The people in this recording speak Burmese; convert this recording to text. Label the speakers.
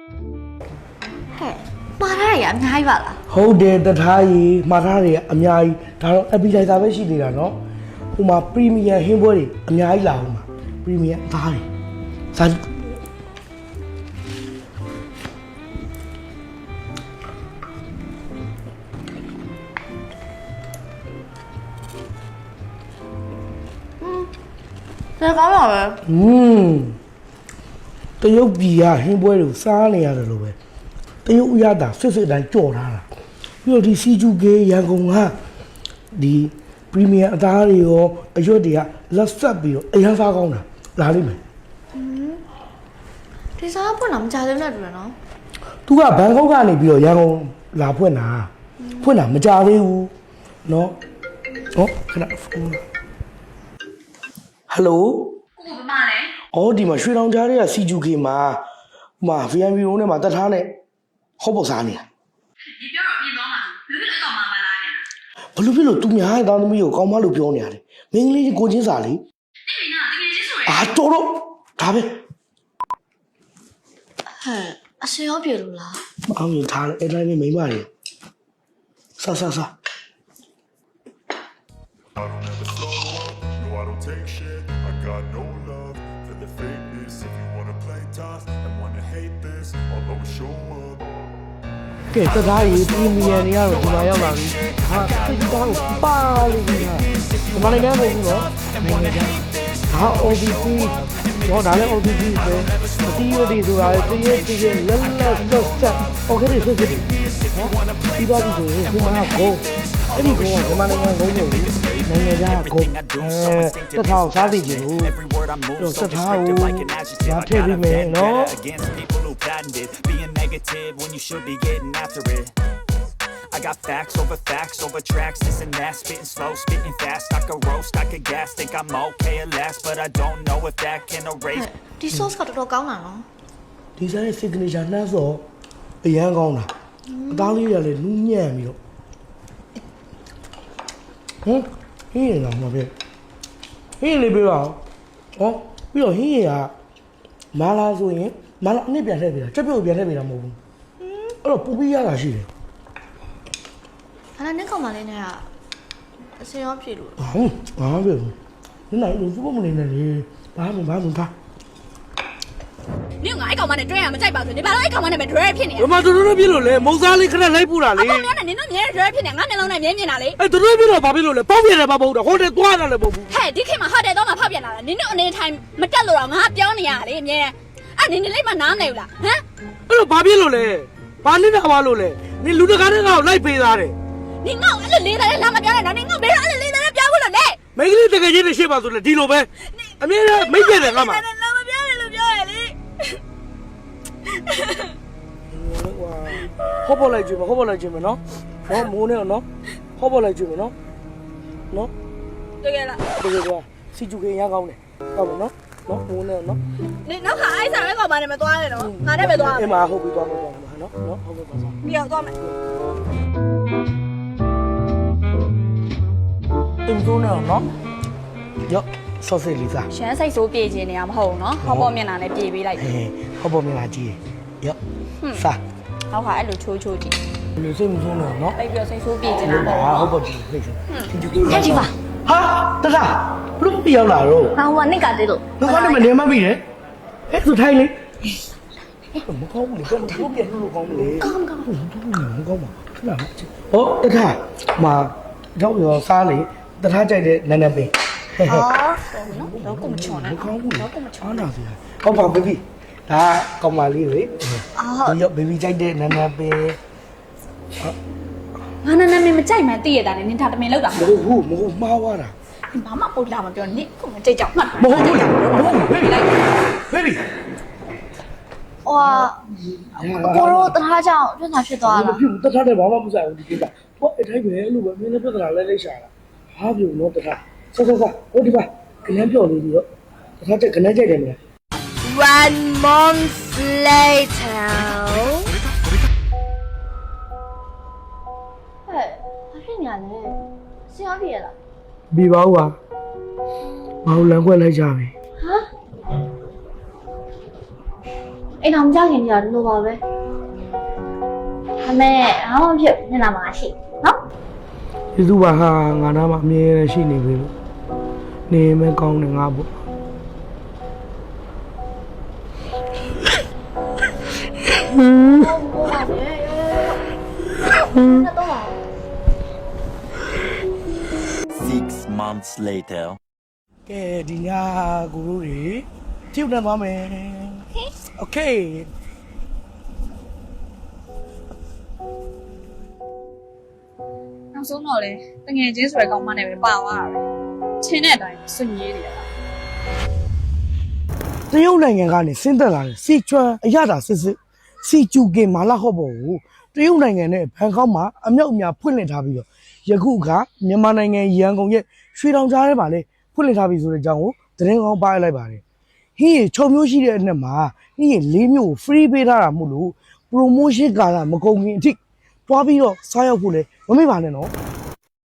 Speaker 1: မှားထားရအများကြီးပါလား
Speaker 2: ဟုတ်တယ်တထားကြီးမှားထားတယ်အများကြီးဒါတော့ appetizer ပဲရှိသေးတာနော်ဟိုမှာ premium ဟင်းပွဲတွေအများကြီးလာအောင်ပါ premium အသားတွေစား
Speaker 1: ဒါကောင်းပါပဲ
Speaker 2: တရုတ်ပြည်ကဟင်းပွဲတွေကိုစားနေရတယ်လို့ပဲတရုတ်ဥရတာဆွတ်အတိုင်းကြော်ထားတာပြီးတော့ဒီစီဂျူကေရန်ကုန်ကဒီပရီမီယံအသားတွေရောအရွက်တွေကလက်ဆက်ပြီးတော့အရန်စားကောင်းတာလာလိမ့်မယ်
Speaker 1: ဒီစားဖွင့်တာမကြသေးဘူးနဲ့တူတယ်နော်
Speaker 2: သူကဘန်ကောက်ကနေပြီးတော့ရန်ကုန်လာဖွင့်တာမကြသေးဘူးနော်ဟောခဏဖုန်းဟယ်လို
Speaker 3: ကိုဘမလဲ
Speaker 2: အော်ဒီမှာရွှေတောင်ကြားတွေကစီဂျူကေမှာဟိုမှာ VIP ရုံးထဲမှာတက်ထားနဲ့ဟောပေါ်စားနေတာ
Speaker 3: ဒီပြောတော့ပြင်သွားမှာလူဖြစ်အကောင်မှမလားပြန်
Speaker 2: ဘလို့ဖြစ်လို့သူများရဲ့သားသမီးကိုကောင်းမလို့ပြောနေရတယ်မင်းကလေးကိုချင်းစာလေ
Speaker 3: နေမင်းကတကယ်ချင်းဆိုရ
Speaker 2: အာတော်တော့ဒါပဲ
Speaker 1: အစင်ရောပြေလို့လား
Speaker 2: မအောင်ရင်ထားလိုက်အဲ့တိုင်းမိမတွေဆာ
Speaker 4: I don't ever slow up, no I don't take shit I got no love for the fakeness If you wanna play tough and wanna hate this I'll always show up
Speaker 2: ကဲတသားကြီးပရီမီယံတွေကတော့ဒီမှာရောက်လာပြီဟာစိတ်ကောင်းပါလို့ဒီမှာဒီမှာလည်းမဟုတ်ဘူးနော်နိုင်ငံခြားဟာ OBP တော့ဒါလည်း OBP ပဲအတီးရည်ဆိုတာတည်းရဲ့လက်ဆက်ဆက် okay ဆွတ်စစ်နော်ပြီးတော့ဒီဆိုရင်ဒီမှာကိုအဲ့ဒီကောဒီမှာနိုင်ငံကုန်းနေပြီနိုင်ငံခြားကိုတထောင်စားသိကြလို့တော့တထောင်ရာထည့်ပြီးမယ်နော်
Speaker 5: being negative when you should be getting after it I got facts over tracks this and that spitting slow spitting fast I could roast I could gas think I'm okay at last but I don't know if that can erase
Speaker 1: ဒီ sauce ကတော်တော်ကောင်းတာနော်
Speaker 2: ဒီစားရဲ့ signature နှမ်းစောအရန်ကောင်းတာအသားလေးတွေကလည်းနူးညံ့ပြီးတော့ဟင်းရည်တော့မပဲဟင်းလေးပေးပါဦးဟောပြီးတော့ဟင်းရည်ကမာလာဆိုရင်မာလာအနည်းပြန်ထည့်ပေးတာချက်ပြုတ်ပြန်ထည့်ပေးတာမဟုတ်ဘူးအဲ့တော့ပူပြီးရတာရှိတယ်
Speaker 1: ဘာလဲနဲ့ကောင်မလေးနဲ့ကအစင်ရောပြေလို့
Speaker 2: ဟုတ်ဘာပဲဘူးဒီနိုင်လို့စဖို့မနေနဲ့လေဘာမှထား
Speaker 3: နင်ကအဲ့ကောင်မနဲ့တွဲရမကြိုက်ပါဆိုနေဘာလို့အဲ့ကောင်မနဲ့ပဲတွဲဖြစ်နေ
Speaker 2: ဘယ်မှာတို့ပြလို့လဲမုံစားလေးခဏလိုက်ပူတာလေ
Speaker 3: အကောင်များနဲ့နင်တို့မြဲတွဲဖြစ်နေငါမျက်လုံးနဲ့မြဲမြင်တာလေ
Speaker 2: အဲ့တို့ပြလို့ဘာဖြစ်လို့လဲပေါက်ပြတယ်ဘာမဟုတ်တော့ဟိုတယ်သွားတာလည်းမဟုတ်ဘူး
Speaker 3: ဟဲ့ဒီခေတ်မှာဟိုတယ်တော့မှဖောက်ပြန်လာတာနင်တို့အနေထိုင်မတက်လို့တော့ငါပြောနေရလေအမြဲအဲ့နင်လေးမနားမနေဘူးလားဟမ်
Speaker 2: အဲ့တော့ဘာဖြစ်လို့လဲဘာနေတာပါလို့လဲနင်လူတကားတွေကလိုက်ပေးသားတယ်
Speaker 3: နင်ငေါ့အဲ့လိုလေးသားနဲ့လာမပြောနဲ့နော်နင်ငေါ့ဘယ်တော့အဲ့လိုလေးသားနဲ့ပြောဘူးလို့လဲ
Speaker 2: မိန်းကလေးတကယ်ချင်းနဲ့ရှေ့ပါဆိုလဲဒီလိုပဲအမြဲတမ်းမိတ်ပြတယ်ငါမှာ
Speaker 3: လာမပြောနဲ့လို့ပြောရလေ
Speaker 2: ဟောပေါ်လိုက်ကြည့်မနော်ဟောမိုးနေနော်ဟောပေါ်လိုက်ကြည့်မနော်
Speaker 3: တကယ်လား
Speaker 2: တကယ်ကွာစီဂျူကေရမ်းကောင်းတယ်ဟုတ်ပါနော်မိုးနေနော်
Speaker 3: နင်နောက်ခါအိုက်ဆာပဲကောင်မနဲ့မသွားနဲ့နော်ငါနဲ့ပဲသွား
Speaker 2: မယ်အမဟုတ်ပြီသွားမယ်နော်ဟုတ်ပြီပါစား
Speaker 3: ပြီးတော့သွားမယ်
Speaker 2: တင်စိုးနေနော်ရော့ဆော့စစ်လေးစား
Speaker 3: ရှမ်းစိတ်ဆိုးပြေးခြင်းနေရမဟုတ်ဘူးနော်ဟောပေါ်မျက်နှာနဲ့ပြေးပေးလိုက်
Speaker 2: ဟောပေါ်မျက်နှာကြည့်ရော့စား
Speaker 3: နောက်ခါအဲ့လိုချိုးချိုးကြည့်
Speaker 2: လူစိတ်မဆိုးနော်
Speaker 3: အဲ့ပြီးတော့စိတ်ဆိုးပြေးခြင်းတာပေါ့
Speaker 2: ဟုတ်ပါဘူးစိတ်ဆိုး
Speaker 1: ဟဲ့ဒီပါ
Speaker 2: ဟာတဒါဘလို့ပြောင်းလာတော့
Speaker 1: ဟောနိကတေးလို့
Speaker 2: ငါကတော့မနေမပြီလေအဲ့ဆိုထိုင်လေမကောင်းဘူးလေဘယ်လိုပြန်လို့ကောင်းလဲ
Speaker 1: ကောင်း
Speaker 2: ပါခဏဟောတခါမှာတော့ရောစားလေတထားကြိုက်တဲ့နန်းနန်းပင်
Speaker 1: အော်နော်တော့ကိုမချော်နဲ့
Speaker 2: မကောင်းဘူးတော့ကိုမချော်တာစီဟုတ်ပါဘေဘီဒါကောင်မလေးလေ
Speaker 1: အော်
Speaker 2: ရောဘေဘီကြိုက်တဲ့နန်းနန်းပင်
Speaker 3: ငါနန်းနန်းမကြိုက်မှသိရတာနဲ့နင်ဒါတမင်လောက်တာ
Speaker 2: မဟုတ်မှားသွားတာ
Speaker 3: ဘာမှပုတ်လာမပြောနင်ကိုမကြိတ်ကြောက်မှတ်
Speaker 2: မဟုတ်ဘူးဘေဘီ
Speaker 1: ဟိုကိုရောတထားကြောင်ပြဿနာဖြစ်သွားလား
Speaker 2: တထားတယ်ဘာမှမဆိုင်ဘူးဒီကိစ္စဟောအထိုက်ပဲလို့ပဲမင်းလည်းပြဿနာလိုက်ရှာတာဟာပြုံတော့တထားဆက်ဟိုဒီပါခဏပြောလေးပြီးတော့တထားတဲ့ခဏကြိုက်တယ်မလား
Speaker 1: 1 month later ဟဲ့ဘာဖြစ်နေရလဲဆရာပြေလား
Speaker 2: ပြီးပါဦးပါဘာလို့လမ်းခွက်လိုက်ကြပြီ
Speaker 1: ဟမ်အိမ်တော်မကြောက်ခင်ကြာဒီလိုပါပဲအမေအားမဖြစ်နေလာမှာရှိနော်
Speaker 2: ကျေးဇူးပါဟာငါနားမှာအမြဲတမ်းရှိနေပြီလို့နေမဲကောင်းတယ်ငါပေါ့
Speaker 5: 6 months later.
Speaker 2: ကဲဒီညကိုတို့တွေကြည့်နေသွားမယ်โอเค
Speaker 3: နောက်ဆုံးတော့လေတငယ်ချင်းဆိုတဲ့ကောင်မနဲ့ပဲပါသွားတာပဲချင်းတဲ့အတိုင်းစွန့်ရေးနေရတာ
Speaker 2: တရုတ်နိုင်ငံကနေဆင်းသက်လာတဲ့စီချွမ်အရသာစစ်စစ်စီကျူကင်မာလာဟော့ဘောကိုတရုတ်နိုင်ငံနဲ့ဘန်ကောက်မှာအမြောက်အများဖွင့်လှစ်ထားပြီးတော့ယခုကမြန်မာနိုင်ငံရန်ကုန်ရဲ့ရွှေတောင်ကြားထဲမှာလေဖွင့်လှစ်ထားပြီးဆိုတဲ့အကြောင်းကိုသတင်းကောင်းပါလိုက်ပါတယ်ဟင်း6မျိုးရှိတဲ့အနက်မှာဟင်း4မျိုး free ပေးထားတာမို့လို့ promotion ကာလမကုန်ခင်အထိတွားပြီးတော့စားရောက်ဖို့လေမမေ့ပါနဲ့နော်